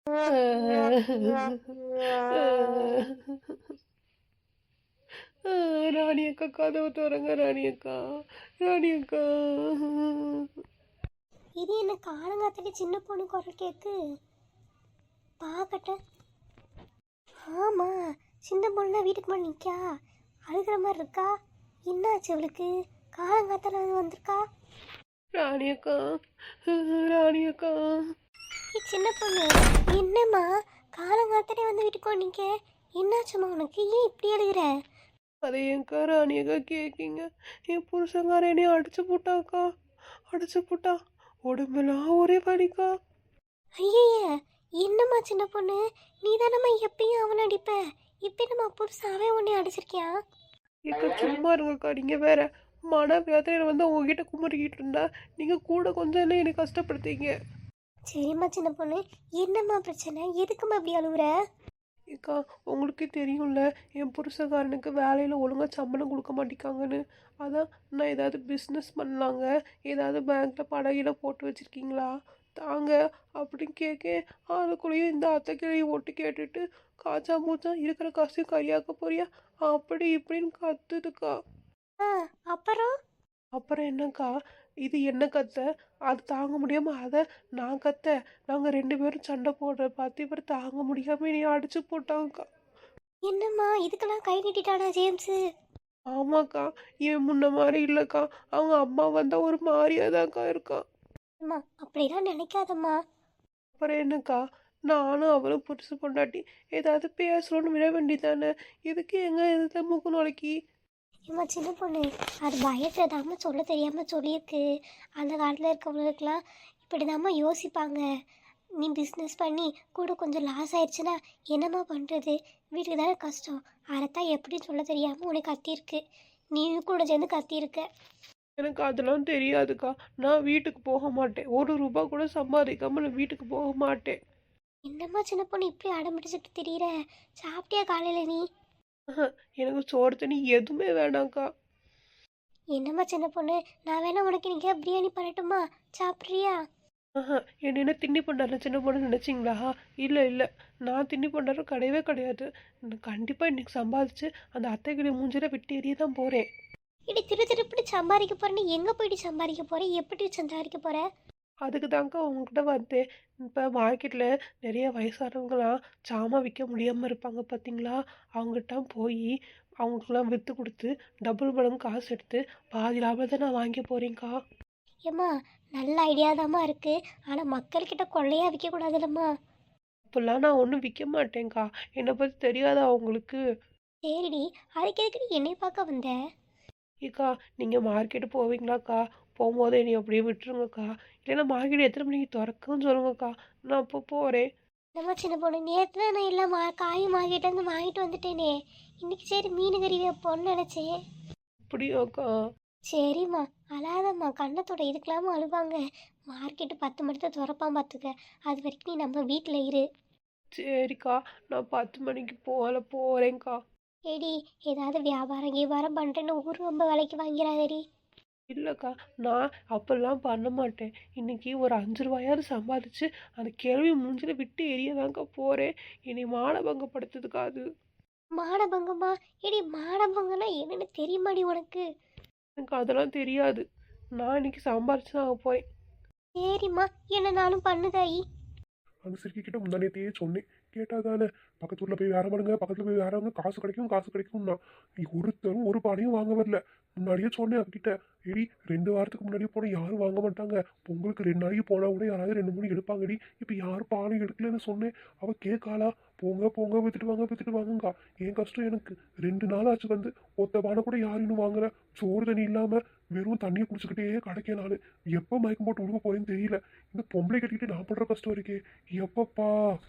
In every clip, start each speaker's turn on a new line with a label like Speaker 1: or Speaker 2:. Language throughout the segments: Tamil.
Speaker 1: ராணி அக்கா கதவு தோறங்க. ராணி அக்கா, ராணி அக்கா.
Speaker 2: இது என்ன காலங்காத்தடி சின்ன பொண்ணு குரல் கேக்கு பார்க்கட்ட. ஆமா, சின்ன பொண்ணு வீட்டுக்கு முன்னாடி நிற்கா, அழுகிற மாதிரி இருக்கா. என்னாச்சு அவளுக்கு? காலங்காத்தால வந்திருக்கா.
Speaker 1: ராணி அக்கா, ராணி அக்கா.
Speaker 2: சின்ன பொண்ணு, என்னம்மா காலங்காத்தாலே வந்து வீட்டுக்கு நிற்க? என்னாச்சும்மா உனக்கு? ஏன் இப்படி அழுகிற?
Speaker 1: அதை ஏன்க்கா ராணி அக்கா கேட்கீங்க? என் புருஷங்கார என்னையும் அடிச்சு போட்டாக்கா, அடிச்சு போட்டா. உடம்பெல்லாம் ஒரே வலிக்கா.
Speaker 2: ஐய, என்னம்மா சின்ன பொண்ணு, நீ தானம்மா எப்பயும் அவனை அடிப்ப, இப்போ நம்ம புதுசாகவே உன்னை அடிச்சிருக்கியா?
Speaker 1: ஏக்கா சும்மா இருங்கக்கா. நீங்க வேற மன வேதனையில வந்து உங்ககிட்ட குமரிக்கிட்டு இருந்தா நீங்க கூட கொஞ்சம் இல்லை என்னை கஷ்டப்படுத்தீங்க.
Speaker 2: சரிம்மா சின்ன பொண்ணு, என்னம்மா பிரச்சனை? எதுக்கும்மா இப்படி அழுகுற?
Speaker 1: ஏக்கா உங்களுக்கே தெரியும்ல, என் புருஷக்காரனுக்கு வேலையில் ஒழுங்காக சம்பளம் கொடுக்க மாட்டேங்காங்கன்னு. அதான் நான் ஏதாவது பிஸ்னஸ் பண்ணலாங்க, ஏதாவது பேங்க்கில் படகில போட்டு வச்சுருக்கீங்களா தாங்க அப்படின்னு கேட்க, அதுக்குள்ளேயும் இந்த அத்தை கிளியை ஒட்டு கேட்டுட்டு காய்ச்சா மூச்சா இருக்கிற காசையும் கறியாக்க போறியா அப்படி இப்படின்னு கத்துதுக்கா.
Speaker 2: ஆ, அப்புறம்?
Speaker 1: அப்புறம் என்னக்கா, இது என்ன கத்த, அது தாங்க முடியாமல் அதை நான் கத்த, நாங்கள் ரெண்டு பேரும் சண்டை போடுற பார்த்து இவர் தாங்க முடியாமல் நீ அடிச்சு போட்டாங்கக்கா.
Speaker 2: என்னம்மா இதுக்கெல்லாம் கை நீட்டிட்டானா ஜேம்ஸு?
Speaker 1: ஆமாக்கா, இவன் முன்ன மாதிரி இல்லைக்கா. அவங்க அம்மா வந்தால் ஒரு மாதிரியாதாக்கா இருக்கான்.
Speaker 2: அம்மா அப்படிலாம் நினைக்காதம்மா.
Speaker 1: அப்புறம் என்னக்கா, நானும் அவளும் புதுசு பொண்டாட்டி ஏதாவது பேசணும்னு விட வேண்டியதானே, இதுக்கு எங்க இதில் மூக்கு நுழைக்கி.
Speaker 2: ஏம்மா சின்ன பொண்ணு, அது பயத்துலதாம்மா சொல்ல தெரியாமல் சொல்லியிருக்கு. அந்த காலத்தில் இருக்கவங்களுக்கெல்லாம் இப்படி தாம்மா யோசிப்பாங்க. நீ பிஸ்னஸ் பண்ணி கூட கொஞ்சம் லாஸ் ஆயிடுச்சுன்னா என்னம்மா பண்ணுறது? வீட்டுக்கு தானே கஷ்டம். அதைத்தான் எப்படி சொல்ல தெரியாமல் உனக்கு கத்தியிருக்கு. நீயும் கூட சேர்ந்து கத்தியிருக்க.
Speaker 1: எனக்கு அதெல்லாம் தெரியாதுக்கா. நான் வீட்டுக்கு போக மாட்டேன். ஒரு ரூபா கூட சம்பாதிக்காம நான் வீட்டுக்கு போக மாட்டேன்.
Speaker 2: என்னம்மா சின்ன பொண்ணு இப்படி அடம்பிடிச்சிட்டு திரியிற? சாப்பிட்டியா காலையில் நீ?
Speaker 1: எனக்கு சோறு தண்ணி எதுவுமே வேணாம்க்கா.
Speaker 2: என்னம்மா சின்ன பொண்ணு, நான் வேணா உனக்கு இன்னைக்கு பிரியாணி பண்ணட்டுமா? சாப்பிட்றியா?
Speaker 1: என்ன திண்ணி பண்டார சின்ன பொண்ணு நினச்சிங்களா? இல்லை இல்லை, நான் திண்ணி பண்டாரம் கிடையவே கிடையாது. நான் கண்டிப்பாக இன்னைக்கு சம்பாதிச்சு அந்த அத்தைக்கிட்ட மூஞ்சில விட்டு எறிய தான் போகிறேன்.
Speaker 2: இடி திருப்பி சம்பாதிக்க போறேன்னு எங்கே போயிட்டு சம்பாதிக்க போகிறேன்? எப்படி சம்பாதிக்க போகிற?
Speaker 1: அதுக்கு தாங்க உங்ககிட்ட வந்தேன். இப்போ மார்க்கெட்டில் நிறைய வயசானவங்களாம் சாமான் விற்க முடியாமல் இருப்பாங்க பார்த்தீங்களா? அவங்ககிட்ட போய் அவங்களுக்குலாம் விற்று கொடுத்து டபுள் மடங்கு காசு எடுத்து பாதி லாபத்தை நான் வாங்கி போகிறேங்க்கா.
Speaker 2: ஏம்மா நல்ல ஐடியாதாம்மா இருக்குது, ஆனால் மக்கள்கிட்ட கொள்ளையாக விற்கக்கூடாதுல்லம்மா.
Speaker 1: இப்போல்லாம் நான் ஒன்றும் விற்க மாட்டேங்க்கா. என்னை பற்றி தெரியாதா அவங்களுக்கு?
Speaker 2: சரிடி, அதுக்கு எதுக்கு நீ என்னை பார்க்க வந்த?
Speaker 1: ஏக்கா நீங்கள் மார்க்கெட்டு போவீங்களாக்கா? போகும்போது என்னை அப்படியே விட்டுருங்கக்கா. இல்லைன்னா மார்க்கெட் எத்தனை மணிக்கு திறக்குன்னு சொல்லுங்கக்கா, நான் அப்போ போகிறேன்.
Speaker 2: நம்ம சின்ன பொண்ணு, நேற்று நான் எல்லாம் காயும் வாங்கிட்டு வாங்கிட்டு வந்துட்டேனே. இன்னைக்கு சரி மீன் கறி வைப்போன்னு நினச்சேன்.
Speaker 1: அப்படியாக்கா?
Speaker 2: சரிம்மா, அழாதம்மா. கண்ணத்தோட இதுக்கெல்லாம அழுவாங்க. மார்க்கெட்டு 10 மணிக்கு தான் திறப்பான் பார்த்துக்க. அது வரைக்கும் நீ நம்ம வீட்டில் இரு.
Speaker 1: சரிக்கா, நான் 10 மணிக்கு போகிறேங்க்கா.
Speaker 2: ஏடி, ஏதாவது வியாபாரம் கீபாரம் பண்ணுறேன்னு ஊர் ரொம்ப விலைக்கு வாங்கிறாதடி.
Speaker 1: இல்லைக்கா, நான் அப்பெல்லாம் பண்ண மாட்டேன். இன்னைக்கு ஒரு 5 ரூபாயாவது சம்பாதிச்சு அந்த கேள்வி மூஞ்சில விட்டு எரியதாங்க போகிறேன். இனி மானபங்கப்படுத்துதுக்கா அது.
Speaker 2: மானபங்கம்மா? ஏடி, மானபங்கம்னா என்னன்னு தெரியுமாடி உனக்கு?
Speaker 1: எனக்கு அதெல்லாம் தெரியாது. நான் இன்னைக்கு சம்பாரிச்சு தான் போகிறேன்.
Speaker 2: சரிம்மா, என்ன நானும் பண்ணுதாயி.
Speaker 3: அந்த சிறுக்கி கிட்ட முந்தானேத்தையே சொன்னேன், கேட்டாதானே. பக்கத்து ஊரில் போய் வேற பண்ணுங்க, பக்கத்தில் போய் வேறவங்க காசு கிடைக்கும் காசு கிடைக்கும்னா ஒருத்தரும் ஒரு பானையும் வாங்க வரல. முன்னாடியே சொன்னேன் அவகிட்ட, எடி 2 வாரத்துக்கு முன்னாடியே போனால் யாரும் வாங்க மாட்டாங்க, பொங்கலுக்கு 2 நாளைக்கு போனால் கூட யாராவது 2 3 எடுப்பாங்கடி, இப்போ யாரும் பானை எடுக்கலன்னு சொன்னேன். அவள் கேட்காளா? போங்க போங்க வித்துட்டு வாங்குங்கா. என் கஷ்டம் எனக்கு 2 நாள் ஆச்சு வந்து, ஒத்த பானை கூட யாரும் இன்னும் வாங்கல. சோறு தண்ணி இல்லாமல் வெறும் தண்ணியை குடிச்சுக்கிட்டே கிடைக்கேன் நான். எப்போ மயக்கம் போட்டு உழுக போறேன்னு தெரியல. இந்த பொம்பளை கட்டிக்கிட்டு நான் பண்ற கஷ்டம் இருக்கே எப்பப்பா.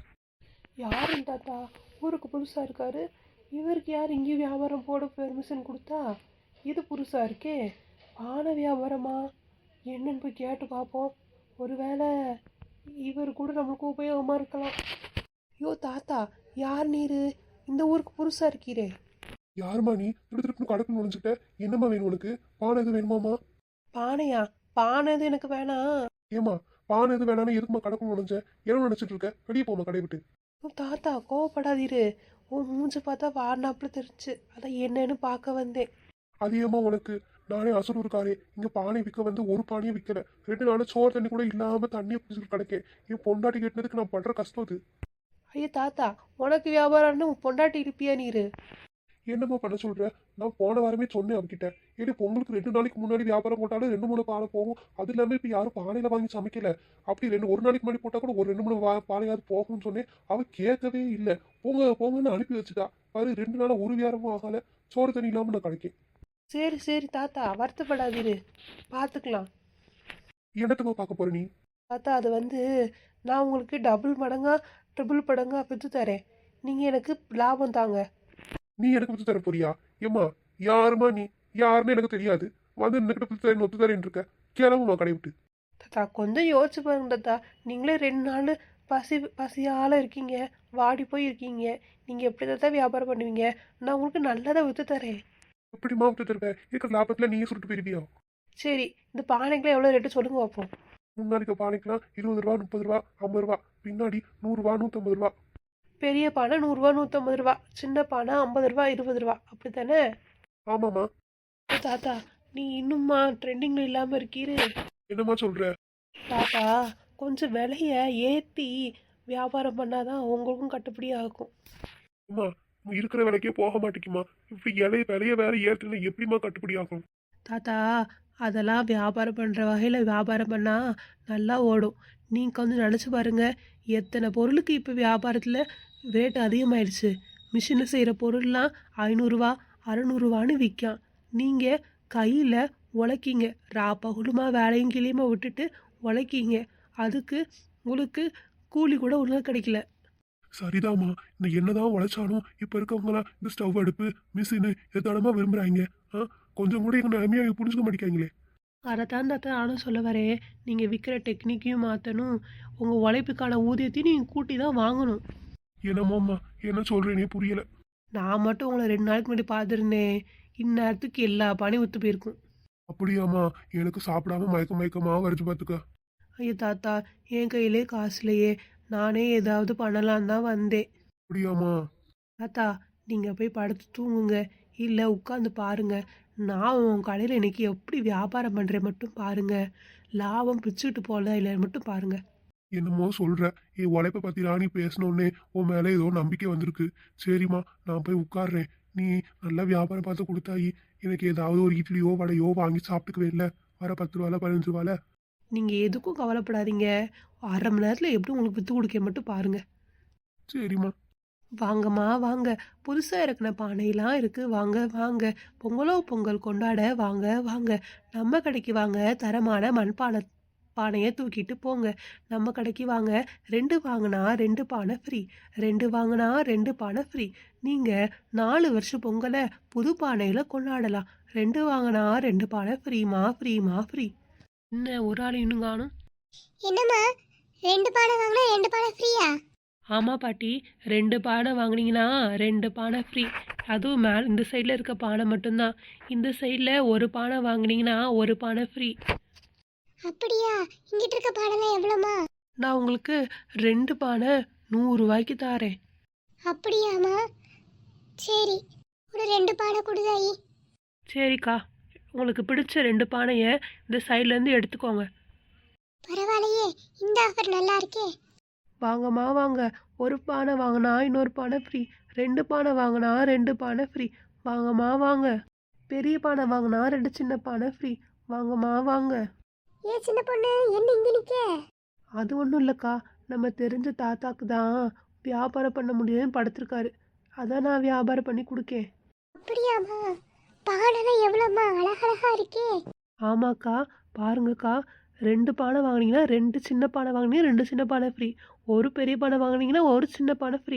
Speaker 1: யாரும் தாத்தா ஊருக்கு புதுசாக இருக்காரு, இவருக்கு யார் இங்கே வியாபாரம் போட பெர்மிஷன் கொடுத்தா? இது புதுசாக இருக்கே, பானை வியாபாரமா என்னன்னு போய் கேட்டு பார்ப்போம். ஒருவேளை இவர் கூட நம்மளுக்கு உபயோகமாக இருக்கலாம். ஐயோ தாத்தா, யார் நீர் இந்த ஊருக்கு புதுசாக இருக்கீரே?
Speaker 3: யாருமா நீ? திருப்பி கடக்கு நுழைஞ்சுட்ட. என்னம்மா வேணும் உனக்கு? பானை எது வேணுமாமா?
Speaker 1: பானையா? பானை எது எனக்கு வேணாம்.
Speaker 3: ஏமா பானை எது வேணாலும் எதுக்குமா கடக்கும் நினைச்ச என்ன நினைச்சிட்டு இருக்க வெளியே போமா கடை விட்டு.
Speaker 1: தாத்தா கோவப்படாதீரு. உன் மூஞ்சி பார்த்தா வாடினாப்புல தெரிஞ்சு அதான் என்னன்னு பார்க்க வந்தேன்.
Speaker 3: அதிகமா உனக்கு நானே அசலூர்காரே இங்க பானை விற்க வந்து ஒரு பானையும் விற்கல 2 நாள் சோறு தண்ணி கூட இல்லாம தண்ணியை குடிச்சிட்டு கிடக்கேன். என் பொண்டாட்டி கேட்டதுக்கு நான் பண்ற கஷ்டம் அது.
Speaker 1: ஐயா தாத்தா, உனக்கு வியாபாரம்னு உன் பொண்டாட்டி இருப்பியா நீரு?
Speaker 3: என்னம்மா பண்ண சொல்ற? நான் போன வாரமே சொன்னேன் அவகிட்ட. ஏடி பொங்கலுக்கு 2 நாளைக்கு முன்னாடி வியாபாரம் போட்டாலும் 2 3 பானை போகும். அது இல்லாம இப்ப யாரும் பானையில வாங்கி சமைக்கல. அப்படி ஒரு நாளைக்கு முன்னாடி போட்டா கூட ஒரு 2 3 பானையாவது போகும்னு சொன்னேன். அவ கேட்கவே இல்லை. போங்க போங்கன்னு அனுப்பி வச்சுட்டா. பாரு 2 நாளா ஒரு வியாபாரமும் ஆகல. சோறு தண்ணி இல்லாம நான் கிடைக்கேன்.
Speaker 1: சரி சரி தாத்தா, வருத்தப்படாதீரு, பார்த்துக்கலாம்.
Speaker 3: என்னத்தம்மா பார்க்க போற நீ?
Speaker 1: தாத்தா அது வந்து நான் உங்களுக்கு டபுள் மடங்கா ட்ரிபிள் மடங்கா விற்று தரேன். நீங்கள் எனக்கு லாபம் தாங்க.
Speaker 3: நீ எனக்கு வித்து தர போறியா? ஏம்மா யாருமா நீ? யாருன்னு எனக்கு தெரியாது. வந்து இன்னைக்கிட்ட வித்து தரேன் ஒத்து தரேன் இருக்க. கிளம்புமா கடை விட்டு.
Speaker 1: தாத்தா கொஞ்சம் யோசிச்சு பாருங்க தாத்தா. நீங்களே 2 நாள் பசியால் இருக்கீங்க, வாடி போய் இருக்கீங்க. நீங்கள் எப்படி தாத்தா வியாபாரம் பண்ணுவீங்க? நான் உங்களுக்கு நல்லதாக விற்று தரேன்.
Speaker 3: எப்படிமா வித்து தருவேன்? இருக்கிற லாபத்துல நீயே சுட்டு போயிருவியா?
Speaker 1: சரி, இந்த பானைக்கெலாம் எவ்வளோ ரேட்டு சொல்லுங்க பார்ப்போம்.
Speaker 3: முன்னாடி பானைக்கெல்லாம் 20 ரூபா 30 ரூபா 50 ரூபா, பின்னாடி 100 ரூபா 150 ரூபா.
Speaker 1: பெரிய பானை 100 ரூபா 150 ரூபா, சின்ன பானை 50 ரூபா 20 ரூபா, அப்படி தானே?
Speaker 3: ஆமாம்மா.
Speaker 1: தாத்தா நீ இன்னும்மா ட்ரெண்டிங்கில் இல்லாமல் இருக்கீரு.
Speaker 3: என்னம்மா சொல்ற?
Speaker 1: தாத்தா கொஞ்சம் விலைய ஏற்றி வியாபாரம் பண்ணாதான் உங்களுக்கும் கட்டுப்படி ஆகும்.
Speaker 3: அம்மா இருக்கிற விலைக்கே போக மாட்டேங்குமா? இப்படி விலைய வேற ஏற்றுனா எப்படிமா கட்டுப்படி ஆகும்?
Speaker 1: தாத்தா அதெல்லாம் வியாபாரம் பண்ணுற வகையில் வியாபாரம் பண்ணால் நல்லா ஓடும். நீங்கள் கொஞ்சம் நினச்சி பாருங்கள், எத்தனை பொருளுக்கு இப்போ வியாபாரத்தில் ரேட் அதிகமாயிடுச்சு. மிஷினில் செய்கிற பொருள்லாம் 500 ரூபா 600 ரூபான்னு விற்காம். நீங்கள் கையில் உழைக்கிங்க, பகுலுமா வேலையும் கிளியுமா விட்டுட்டு உழைக்கிங்க. அதுக்கு உங்களுக்கு கூலி கூட ஒழுங்காக கிடைக்கல.
Speaker 3: சரிதாம்மா. இந்த என்னதான் உழைச்சாலும் இப்ப இருக்கவங்களாம் இந்த ஸ்டவ் அடுப்பு மிஷினு எதானமா விரும்புறாங்க. கொஞ்சம் கூட எங்க நிலைமையை புரிஞ்சுக்க மாட்டேங்காங்களே.
Speaker 1: அதைத்தான் தாத்தா நானும் சொல்ல வரேன். நீங்கள் விற்கிற டெக்னிக்கையும் மாற்றணும், உங்கள் உழைப்புக்கான ஊதியத்தையும் நீங்கள் கூட்டி தான் வாங்கணும்.
Speaker 3: என்னமோம்மா என்ன சொல்றேனே புரியல.
Speaker 1: நான் மட்டும் உங்களை 2 நாளைக்கு முன்னாடி பார்த்துருந்தேன், இந்நேரத்துக்கு எல்லா பானையும் விற்று போயிருக்கும்.
Speaker 3: அப்படியாம்மா? எனக்கு சாப்பிடாம மயக்கமா வருது பார்த்துக்க.
Speaker 1: ஐயோ தாத்தா, என் கையிலே காசு இல்லையே, நானே ஏதாவது பண்ணலான்னு தான் வந்தேன்.
Speaker 3: அப்படியாம்மா?
Speaker 1: தாத்தா நீங்கள் போய் படுத்து தூங்குங்க, இல்லை உட்காந்து பாருங்க. நான் உன் கடையில் இன்னைக்கு எப்படி வியாபாரம் பண்ணுறேன் மட்டும் பாருங்க. லாபம் பிச்சுட்டு போகல இல்லை மட்டும் பாருங்க.
Speaker 3: என்னமோ சொல்ற. என் உழைப்பை பத்தி ராணி பேசணுன்னே உன் மேல ஏதோ நம்பிக்கை வந்திருக்கு. சரிம்மா நான் போய் உட்கார்றேன். நீ நல்லா வியாபாரம் பார்த்து கொடுத்தாயி எனக்கு ஏதாவது ஒரு இட்லியோ வடையோ வாங்கி சாப்பிட்டுக்குவே இல்லை. வர 10 ரூபால 15 ரூபால.
Speaker 1: நீங்கள் எதுக்கும் கவலைப்படாதீங்க, 1/2 மணி நேரத்தில் எப்படி உங்களுக்கு விற்று கொடுக்க மட்டும் பாருங்க.
Speaker 3: சரிம்மா.
Speaker 1: வாங்கம்மா வாங்க, புதுசாக இறக்குன பானையெல்லாம் இருக்குது, வாங்க வாங்க. பொங்கலோ பொங்கல் கொண்டாட வாங்க வாங்க. நம்ம கடைக்கு வாங்க, தரமான பானையை தூக்கிட்டு போங்க. நம்ம கடைக்கு வாங்க, 2 வாங்கினா 2 பானை ஃப்ரீ, 2 வாங்கினா 2 பானை ஃப்ரீ. நீங்கள் 4 வருஷம் பொங்கலை புது பானையில் கொண்டாடலாம். 2 வாங்கினா 2 பானை ஃப்ரீமா ஃப்ரீமா ஃப்ரீ. என்ன ஒரு ஆள் இன்னும் காணும்?
Speaker 2: என்னம்மா 2 பானை வாங்கினா 2 பானை ஃப்ரீயா?
Speaker 1: ஆமாம் பாட்டி, 2 பானை வாங்கினீங்கன்னா 2 பானை ஃப்ரீ. அதுவும் இந்த சைடில் இருக்க பானை மட்டும்தான். இந்த சைடில் ஒரு பானை வாங்கினீங்கன்னா 1 பானை ஃப்ரீ.
Speaker 2: அப்படியா? இங்கிட்ட இருக்க பானைலாம் எவ்வளோமா?
Speaker 1: நான் உங்களுக்கு 2 பானை 100 ரூபாய்க்கு தாரேன்.
Speaker 2: அப்படியாம்மா? சரி, ஒரு 2 பானை கொடுதாயி.
Speaker 1: சரிக்கா, உங்களுக்கு பிடிச்ச 2 பானையை இந்த சைட்லேருந்து எடுத்துக்கோங்க.
Speaker 2: பரவாயில்லையே, இந்த ஆஃபர் நல்லா இருக்கே.
Speaker 1: வாங்கம்மா வாங்க, ஒரு பானை வாங்கினா இன்னொரு பானை ஃப்ரீ, 2 பானை வாங்கினா 2 பானை ஃப்ரீ. வாங்கம்மா வாங்க. பெரிய பானை வாங்கினா 2 சின்ன பானை ஃப்ரீ. வாங்கம்மா வாங்க.
Speaker 2: ஏன் சின்ன பொண்ணு என்ன இங்கே நிற்க?
Speaker 1: அது ஒன்றும் இல்லைக்கா, நம்ம தெரிஞ்ச தாத்தாக்கு தான் வியாபாரம் பண்ண முடியுதுன்னு படுத்திருக்காரு, அதான் நான் வியாபாரம் பண்ணி கொடுக்கேன்.
Speaker 2: அப்படியாம்மா? பானைலாம் எவ்வளோம்மா அழகழகா இருக்கே.
Speaker 1: ஆமாக்கா, பாருங்கக்கா, 2 பானை வாங்கினீங்கன்னா 2 சின்ன பானை வாங்கினீங்கன்னா 2 சின்ன பானை ஃப்ரீ, ஒரு பெரிய பானை வாங்கினீங்கன்னா ஒரு சின்ன பானை ஃப்ரீ.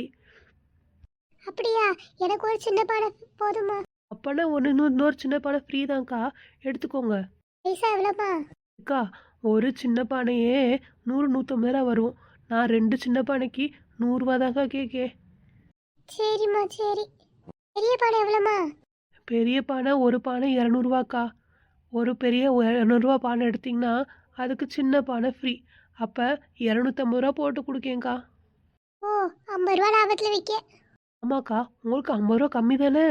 Speaker 2: அப்படியா? எனக்கு ஒரு சின்ன பானை போதுமா?
Speaker 1: அப்போனா இன்னொரு சின்ன பானை ஃப்ரீ தான்க்கா, எடுத்துக்கோங்க.
Speaker 2: பைசா எவ்வளோம்மா?
Speaker 1: அக்கா, ஒரு சின்ன பானையே 100 150 ரூபா வரும். நான் 2 சின்ன பானைக்கு 100 ரூபா தான்க்கா கேட்கேன்.
Speaker 2: சரிம்மா சரி. பெரிய பானை எவ்வளோம்மா?
Speaker 1: பெரிய பானை ஒரு பானை 200 ரூபாக்கா. ஒரு பெரிய 200 ரூபா பானை எடுத்திங்கன்னா அதுக்கு சின்ன பானை ஃப்ரீ. அப்போ 250 ரூபா போட்டு கொடுக்கேங்க்கா.
Speaker 2: ஓ, 50 ரூபா லாபத்தில் விற்க.
Speaker 1: ஆமாக்கா, உங்களுக்கு 50 ரூபா கம்மி தானே?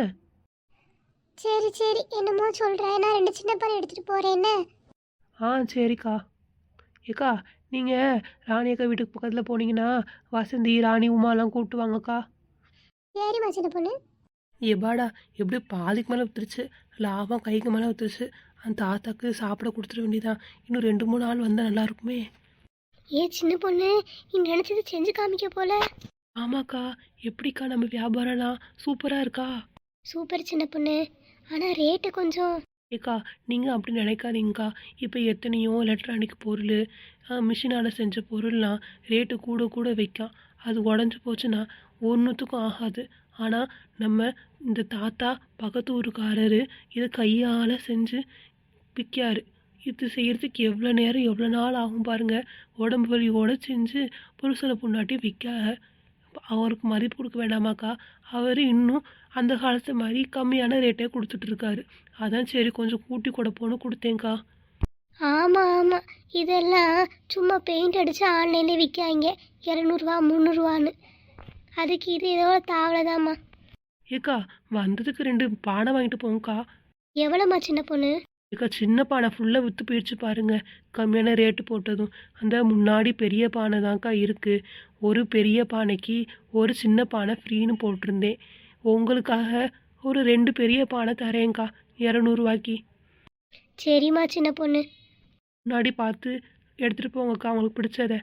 Speaker 2: சரி சரி, என்னமோ சொல்கிறேன். நான் 2 சின்ன பானை எடுத்துகிட்டு போகிறேன் என்ன?
Speaker 1: ஆ சரிக்கா. ஏக்கா, நீங்கள் ராணி அக்கா வீட்டுக்கு பக்கத்தில் போனீங்கன்னா வசந்தி, ராணி, உமாலாம் கூப்பிட்டு வாங்கக்கா.
Speaker 2: சரிம்மா சின்ன பொண்ணு.
Speaker 1: எப்பாடா, எப்படி பாதிக்கு மேலே வித்துருச்சு, லாபம் கைக்கு மேலே வித்துருச்சு. அந்த தாத்தாக்கு சாப்பிட கொடுத்துட வேண்டியதான். இன்னும் 2-3 ஆள் வந்தால் நல்லா இருக்குமே.
Speaker 2: சின்ன பொண்ணு, நீ நினச்சது செஞ்சு காமிக்க போல.
Speaker 1: ஆமாக்கா, எப்படிக்கா நம்ம வியாபாரம்லாம் சூப்பராக இருக்கா?
Speaker 2: சூப்பர் சின்ன பொண்ணு, ஆனால் ரேட்டு கொஞ்சம்.
Speaker 1: ஏக்கா, நீங்கள் அப்படி நினைக்காதீங்கக்கா. இப்போ எத்தனையோ எலக்ட்ரானிக் பொருள், மிஷினால் செஞ்ச பொருள்லாம் ரேட்டு கூட கூட வைக்கும். அது உடஞ்சி போச்சுன்னா ஒன்றுத்துக்கும் ஆகாது. ஆனால் நம்ம இந்த தாத்தா பக்கத்து ஊருக்காரரு இதை கையால் செஞ்சு விற்காரு. இது செய்கிறதுக்கு எவ்வளோ நேரம் எவ்வளோ நாள் ஆகும் பாருங்கள். உடம்பு வலியோடு செஞ்சு புருஷனை பொண்டாட்டி விற்க அவருக்கு மதிப்பு கொடுக்க வேண்டாமாக்கா? அவர் இன்னும் அந்த காலத்து மாதிரி கம்மியான ரேட்டே கொடுத்துட்ருக்காரு. அதான் சரி கொஞ்சம் கூட்டி கொடுப்போன்னு கொடுத்தேங்க்கா.
Speaker 2: ஆமாம் ஆமாம், இதெல்லாம் சும்மா பெயிண்ட் அடித்து ஆன்லைனில் விற்காங்க 200 300 அதுக்கு இது இதோட தாவலைதாம்மா.
Speaker 1: ஏக்கா, வந்ததுக்கு 2 பானை வாங்கிட்டு போங்கக்கா.
Speaker 2: எவ்வளோம்மா சின்ன பொண்ணு?
Speaker 1: ஏக்கா, சின்ன பானை ஃபுல்லாக விற்று போயிடுச்சு பாருங்க, கம்மியான ரேட்டு போட்டதும். அந்த முன்னாடி பெரிய பானை தான்க்கா இருக்குது. ஒரு பெரிய பானைக்கு ஒரு சின்ன பானை ஃப்ரீன்னு போட்டிருந்தேன். உங்களுக்காக ஒரு 2 பெரிய பானை தரேங்க்கா 200 ரூபாய்க்கு.
Speaker 2: சரிம்மா சின்ன பொண்ணு.
Speaker 1: முன்னாடி பார்த்து எடுத்துகிட்டு போங்கக்கா உங்களுக்கு பிடிச்சத.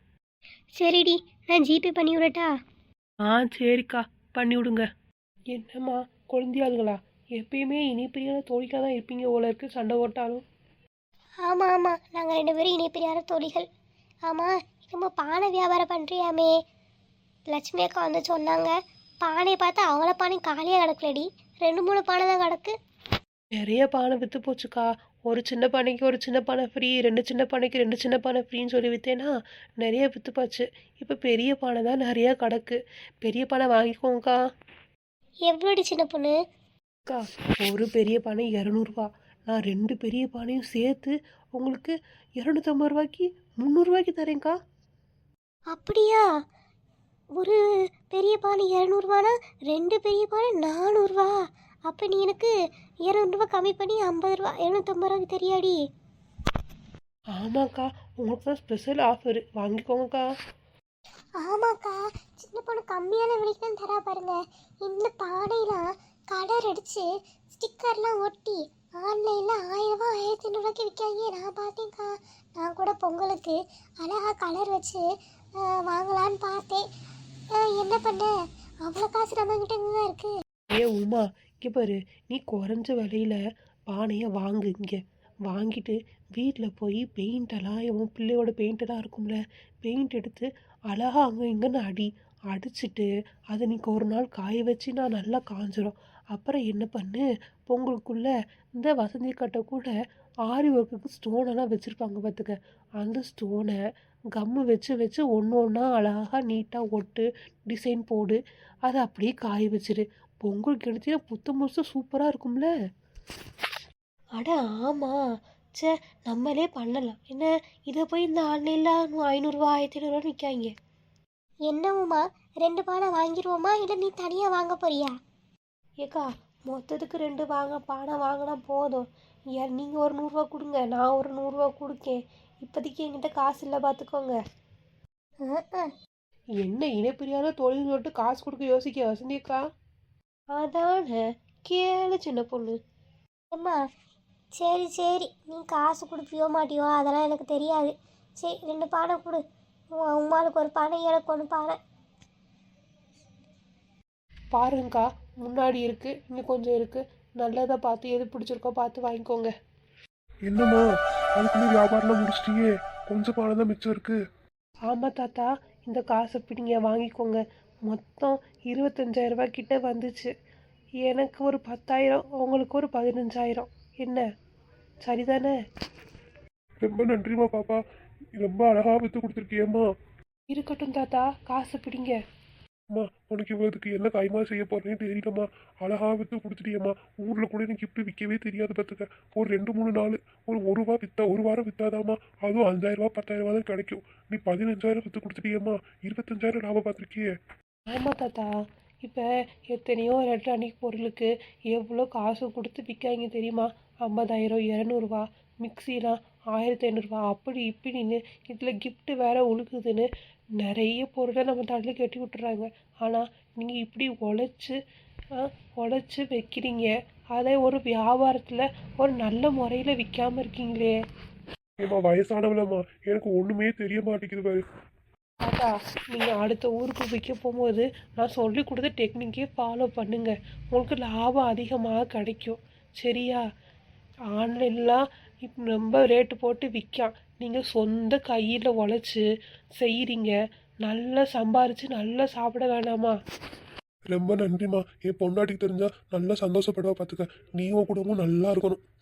Speaker 2: சரிடி, நான் ஜிபே பண்ணி விடட்டா?
Speaker 1: ஆ சரிக்கா, பண்ணி விடுங்க. என்னம்மா குழந்தையாளுங்களா, எப்பயுமே இனிப்பிரியான தோழிக்காக தான் இருப்பீங்க போல இருக்கு, சண்டை ஓட்டாலும்.
Speaker 2: ஆமாம் ஆமாம், நாங்கள் 2 பேரும் இணைப்பிரியாத தோழிகள். ஆமாம், நம்ம பானை வியாபாரம் பண்ணுறியாமே, லட்சுமி அக்கா வந்து சொன்னாங்க. பானையை பார்த்தா அவளை பானை காலியாக கிடக்கலடி, 2 3 பானை தான் கிடக்கு.
Speaker 1: நிறைய பானை விற்று போச்சுக்கா. ஒரு சின்ன பானைக்கு ஒரு சின்ன பானை ஃப்ரீ, 2 சின்ன பானைக்கு 2 சின்ன பானை ஃப்ரீன்னு சொல்லி விற்றேன்னா நிறைய விற்று போச்சு. இப்போ பெரிய பானை தான் நிறையா கிடக்கு. பெரிய பானை வாங்கிக்கோங்கக்கா.
Speaker 2: எவ்வளோடி சின்ன பொண்ணு?
Speaker 1: அக்கா, ஒரு பெரிய பானை 200 ரூபா. நான் 2 பெரிய பானையும் சேர்த்து உங்களுக்கு 250 ரூபாய்க்கு 300 ரூபாய்க்கு தரேங்க்கா.
Speaker 2: அப்படியா? ஒரு பெரிய பானை 200 2 பெரிய பானை 400. அப்போ நீ எனக்கு 200 கம்மி பண்ணி 50 750 தெரியாடி?
Speaker 1: ஆமாக்கா, உங்களுக்கு தான் ஸ்பெஷல் ஆஃபர், வாங்கிக்கோங்கக்கா.
Speaker 2: ஆமாக்கா, சின்ன பொண்ணு கம்மியான விலைக்கு தான் தரா பாருங்க. இந்த பானைலாம் கலர் அடித்து ஸ்டிக்கர்லாம் ஒட்டி ஆன்லைனில் 1000 1500 விற்காங்க. நான் பார்த்தேன்க்கா. நான் கூட பொங்கலுக்கு அழகாக கலர் வச்சு வாங்கலான்னு பார்த்தேன். என்ன பண்ண, அவ்வளோ காசு நம்மக்கிட்ட தான் இருக்குது.
Speaker 1: ஏ உமா, இங்கே பாரு, நீ குறைஞ்ச விலையில் பானையை வாங்கு. இங்கே வாங்கிட்டு வீட்டில் போய் பெயிண்டெல்லாம், உன் பிள்ளையோட பெயிண்டெல்லாம் இருக்கும்ல, பெயிண்ட் எடுத்து அழகாக அங்கே இங்கேன்னு அடிச்சுட்டு அதை நீங்கள் ஒரு நாள் காய வச்சு நான் நல்லா காஞ்சிரும். அப்புறம் என்ன பண்ணு, பொங்கலுக்குள்ளே இந்த வசந்தி கட்டை கூட ஆரி ஒர்க்குக்கு ஸ்டோனெல்லாம் வச்சுருப்பாங்க பார்த்துக்க. அந்த ஸ்டோனை கம்மு வச்சு வச்சு ஒன்று ஒன்றா அழகாக நீட்டாக ஒட்டு, டிசைன் போடு, அதை அப்படியே காய வச்சிரு. பொங்கலுக்கு எடுத்தீங்கன்னா புத்த முழுசு சூப்பராக இருக்கும்ல.
Speaker 2: அட ஆமாம், சே நம்மளே பண்ணலாம் என்ன? இதை போய் இந்த ஆன்லைனில் 500 1500 விற்காங்க. என்னவுமா, 2 பானை வாங்கிடுவோமா, இல்லை நீ தனியாக வாங்க போறியா?
Speaker 1: ஏக்கா, மொத்தத்துக்கு 2 பானை வாங்கினா போதும். நீங்கள் ஒரு 100 ரூபா கொடுங்க, நான் ஒரு 100 ரூபா கொடுக்கேன். இப்போதைக்கு என்கிட்ட காசு இல்லை பார்த்துக்கோங்க. என்ன இணைப்பிரியான தொழில் சொல்லிட்டு காசு கொடுக்க யோசிக்க வசந்தியக்கா? அதானே, கேளு சின்ன பொண்ணு.
Speaker 2: அம்மா சரி சரி, நீ காசு கொடுப்பியோ மாட்டியோ அதெல்லாம் எனக்கு தெரியாது. சரி 2 பானை கொடு. உமாளுக்கு ஒரு பானை, எனக்கு 1 பானை.
Speaker 1: பாருங்கக்கா, முன்னாடி இருக்கு, இங்கே கொஞ்சம் இருக்கு. நல்லதாக பார்த்து எது பிடிச்சிருக்கோ பார்த்து வாங்கிக்கோங்க.
Speaker 3: என்னம்மா, அதுக்குள்ளே வியாபாரம்லாம் முடிச்சிட்டியே, கொஞ்சம் பானை தான் மிச்சம் இருக்கு.
Speaker 1: ஆமாம் தாத்தா, இந்த காசை பிடிங்க, வாங்கிக்கோங்க. மொத்தம் 25,000 ரூபாய் கிட்ட வந்துச்சு. எனக்கு ஒரு 10,000, உங்களுக்கு ஒரு 15,000. என்ன சரிதானே?
Speaker 3: ரொம்ப நன்றிம்மா பாப்பா, ரொம்ப அழகாக விற்று கொடுத்துருக்கியம்மா.
Speaker 1: இருக்கட்டும் தாத்தா, காசை பிடிங்க.
Speaker 3: அம்மா உனக்கு இவ்வளவுக்கு என்ன கைமா செய்ய போறேன்னு தெரியலம்மா. அழகா வித்து கொடுத்துட்டியம்மா. ஊர்ல கூட எனக்கு கிஃப்ட் விற்கவே தெரியாது பார்த்துக்க. ஒரு 2 3 நாள் ஒரு ரூபா வித்தா, ஒரு வாரம் வித்தாதாம்மா அதுவும் 5000 10,000 தான் கிடைக்கும். நீ 15,000 வித்து கொடுத்துட்டியம்மா. 25,000 லாபம் பார்த்துருக்கியே.
Speaker 1: ஆமாம் தாத்தா, இப்போ எத்தனையோ எலக்ட்ரானிக் பொருளுக்கு எவ்வளோ காசு கொடுத்து விற்காங்க தெரியுமா? 50,000 200 மிக்சிலாம் 1500 அப்படி இப்படின்னு இதில் gift வேற உழுகுதுன்னு நிறைய பொருளை நம்ம தலையில் கட்டி விட்டுறாங்க. ஆனால் நீங்கள் இப்படி உழைச்சி வைக்கிறீங்க, அதை ஒரு வியாபாரத்தில் ஒரு நல்ல முறையில் விற்காம இருக்கீங்களே.
Speaker 3: ஏம்மா வயசானவளம்மா, எனக்கு ஒண்ணுமே தெரிய மாட்டேங்குது பாரு.
Speaker 1: தாத்தா, நீங்கள் அடுத்த ஊருக்கு விற்க போகும்போது நான் சொல்லி கொடுத்த டெக்னிக்கே ஃபாலோ பண்ணுங்க, உங்களுக்கு லாபம் அதிகமாக கிடைக்கும். சரியா? ஆன்லைன்லாம் இப்போ ரொம்ப ரேட்டு போட்டு விற்கான். நீங்கள் சொந்த கையில் உழைச்சி செய்கிறீங்க, நல்லா சம்பாரித்து நல்லா சாப்பிட வேணாமா?
Speaker 3: ரொம்ப நன்றிம்மா. என் பொண்டாட்டிக்கு தெரிஞ்சா நல்லா சந்தோஷப்படுவா பார்த்துக்க. நீ உன் குடும்பம் நல்லா இருக்கணும்.